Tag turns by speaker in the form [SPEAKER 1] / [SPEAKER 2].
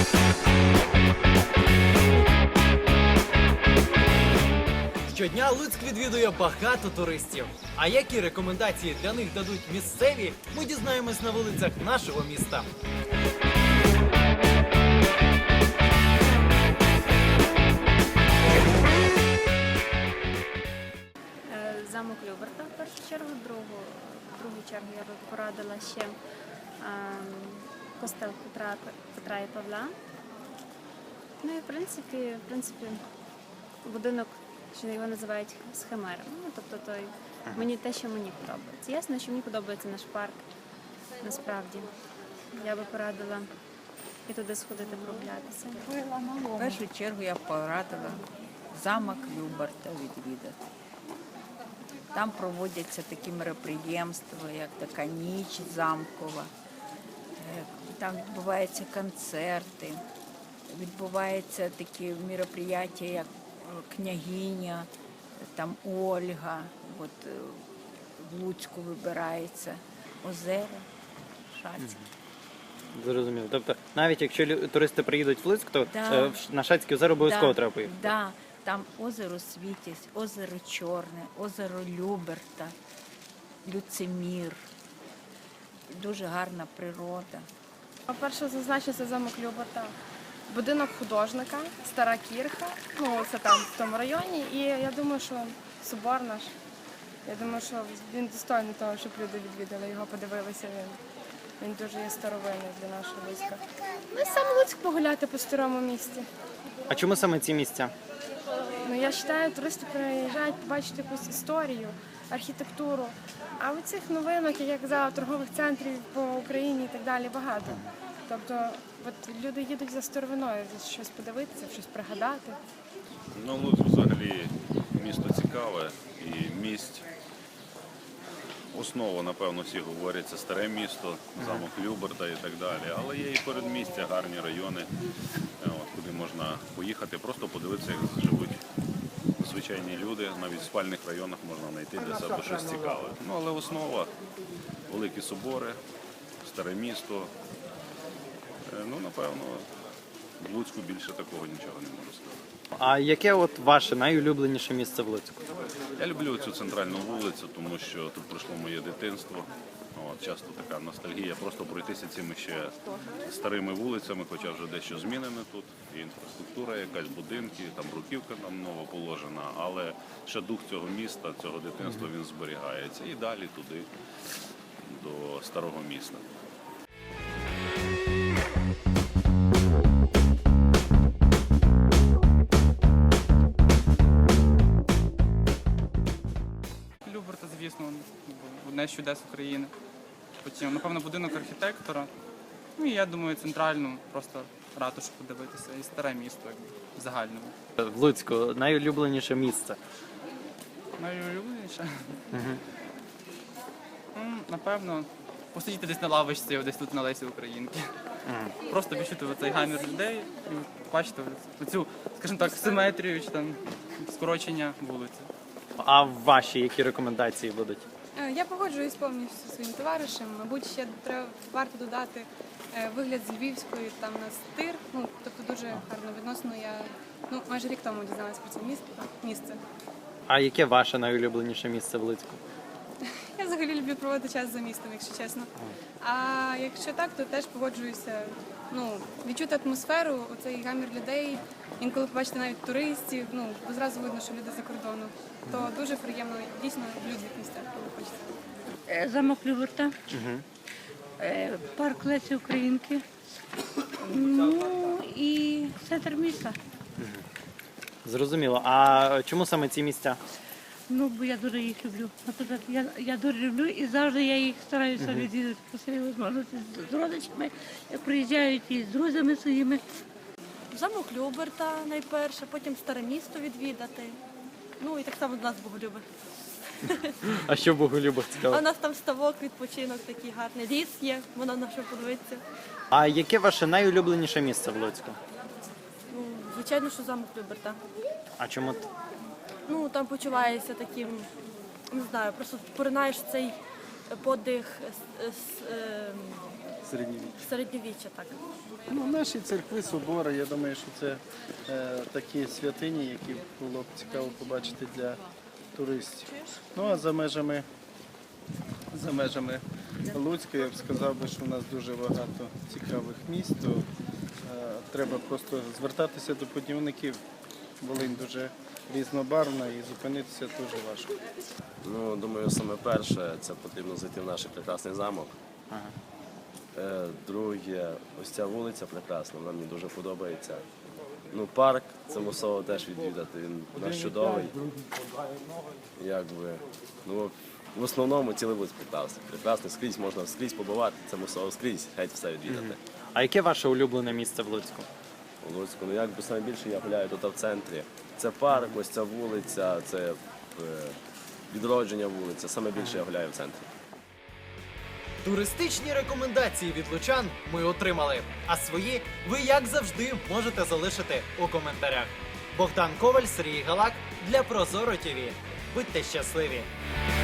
[SPEAKER 1] Щодня Луцьк відвідує багато туристів. А які рекомендації для них дадуть місцеві, ми дізнаємось на вулицях нашого міста.
[SPEAKER 2] Замок Люберта в першу чергу, в другу чергу я би порадила ще костел Петра і Павла. Ну і в принципі будинок, що його називають схимером. Ну, тобто мені те, що мені подобається. Ясно, що мені подобається наш парк, насправді. Я би порадила і туди сходити прогулятися.
[SPEAKER 3] В першу чергу я порадила замок Люберта відвідати. Там проводяться такі мероприємства, як така ніч замкова. Там відбуваються концерти, відбуваються такі мероприємства, як княгиня, там Ольга, от в Луцьку вибирається, озера, Шацьке.
[SPEAKER 4] Зрозуміло. Тобто, навіть якщо туристи приїдуть в Луцьк, то на Шацьке озеро обов'язково треба поїхати?
[SPEAKER 3] Так, там озеро Світязь, озеро Чорне, озеро Люберта, Люцимір. Дуже гарна природа.
[SPEAKER 5] Перше зазначиться замок Люберта. Будинок художника, стара кірха, ну це там в тому районі. І я думаю, що собор наш, я думаю, що він достойний того, щоб люди відвідали його, подивилися. Він дуже є старовинний для нашого Луцька. Ну і саме Луцьк погуляти по старому місті.
[SPEAKER 4] А чому саме ці місця?
[SPEAKER 5] Ну я вважаю, туристи приїжджають побачити якусь історію, архітектуру. А у цих новинок, як я казала, торгових центрів по Україні і так далі багато. Тобто от люди їдуть за старовиною, щось подивитися, щось пригадати.
[SPEAKER 6] Ну, Луцьк взагалі місто цікаве і місць. Основа, напевно, всі говорять, це старе місто, замок Люберта і так далі. Але є і передмістя, гарні райони, куди можна поїхати, просто подивитися, як живуть звичайні люди. Навіть в спальних районах можна знайти для себе щось цікаве. Ну, але основа – великі собори, старе місто. Ну, напевно, в Луцьку більше такого нічого не можу сказати.
[SPEAKER 4] А яке от ваше найулюбленіше місце в Луцьку?
[SPEAKER 6] Я люблю цю центральну вулицю, тому що тут пройшло моє дитинство. Часто така ностальгія, просто пройтися цими ще старими вулицями, хоча вже дещо змінено тут. І інфраструктура якась, будинки, там бруківка там нова положена, але ще дух цього міста, цього дитинства він зберігається. І далі туди, до старого міста.
[SPEAKER 7] Люберта, звісно, одне з чудес України. Потім, напевно, будинок архітектора. Ну і я думаю, центральну, просто ратушу подивитися і старе місто в загальному.
[SPEAKER 4] В Луцьку найулюбленіше місце?
[SPEAKER 7] Найулюбленіше? Напевно, посидіти десь на лавочці, десь тут на Лесі Українки. Просто відчути цей гамір людей і бачити оцю, скажімо так, симетрію чи там скорочення вулиці.
[SPEAKER 4] А ваші які рекомендації будуть?
[SPEAKER 8] Я погоджуюсь повністю зі своїм товаришем. Мабуть, ще варто додати вигляд з Львівської там на стир. Ну, тобто дуже гарно відносно. Я майже рік тому дізналась про це місце.
[SPEAKER 4] А яке ваше найулюбленіше місце в Луцьку?
[SPEAKER 8] Я взагалі люблю проводити час за містом, якщо чесно. А якщо так, то теж погоджуюся. Ну, відчути атмосферу, оцей гамір людей, інколи побачити навіть туристів, бо зразу видно, що люди за кордону. То дуже приємно, дійсно, в людних місцях, коли хочеться.
[SPEAKER 9] Замок Люберта, парк Лесі Українки, ну і центр міста.
[SPEAKER 4] Зрозуміло. А чому саме ці місця?
[SPEAKER 9] Ну, бо я дуже їх люблю. Наприклад, я дуже люблю і завжди я їх стараюся відвідати по своїй можливості з родичами, як приїжджають і з друзями своїми.
[SPEAKER 10] Замок Люберта найперше, потім старе місто відвідати. Ну і так само до нас Боголюби.
[SPEAKER 4] А що в Боголюбах цікаво?
[SPEAKER 10] А у нас там ставок, відпочинок такий гарний. Ліс є, воно на що подивитися.
[SPEAKER 4] А яке ваше найулюбленіше місце в Луцьку?
[SPEAKER 10] Ну, звичайно, що замок Люберта.
[SPEAKER 4] А чому?
[SPEAKER 10] Ну, там почуваєшся таким, не знаю, просто поринаєш цей подих
[SPEAKER 11] Середньовіччя.
[SPEAKER 10] Середньовіччя, так.
[SPEAKER 11] Ну, наші церкви, собори, я думаю, що це такі святині, які було б цікаво побачити для туристів. Ну а за межами Луцька я б сказав би, що у нас дуже багато цікавих місць. То, треба просто звертатися до путівників. Волинь дуже різнобарвна і зупинитися дуже важко.
[SPEAKER 12] Ну, думаю, саме перше, це потрібно зайти в наш прекрасний замок. Друге, ось ця вулиця прекрасна, вона мені дуже подобається. Ну, парк, це мусово теж відвідати, він у нас чудовий. Якби, ну, в основному цілий вулиць прекрасний. Прекрасний, скрізь побувати, це мусово скрізь, геть все відвідати.
[SPEAKER 4] А яке ваше улюблене місце в Луцьку?
[SPEAKER 12] У Луцьку, ну якби найбільше я гуляю тут в центрі. Це парк, ось ця вулиця, це відродження вулиця, саме більше я гуляю в центрі.
[SPEAKER 1] Туристичні рекомендації від лучан ми отримали, а свої ви, як завжди, можете залишити у коментарях. Богдан Коваль, Сергій Галак для Прозоро ТВ. Будьте щасливі!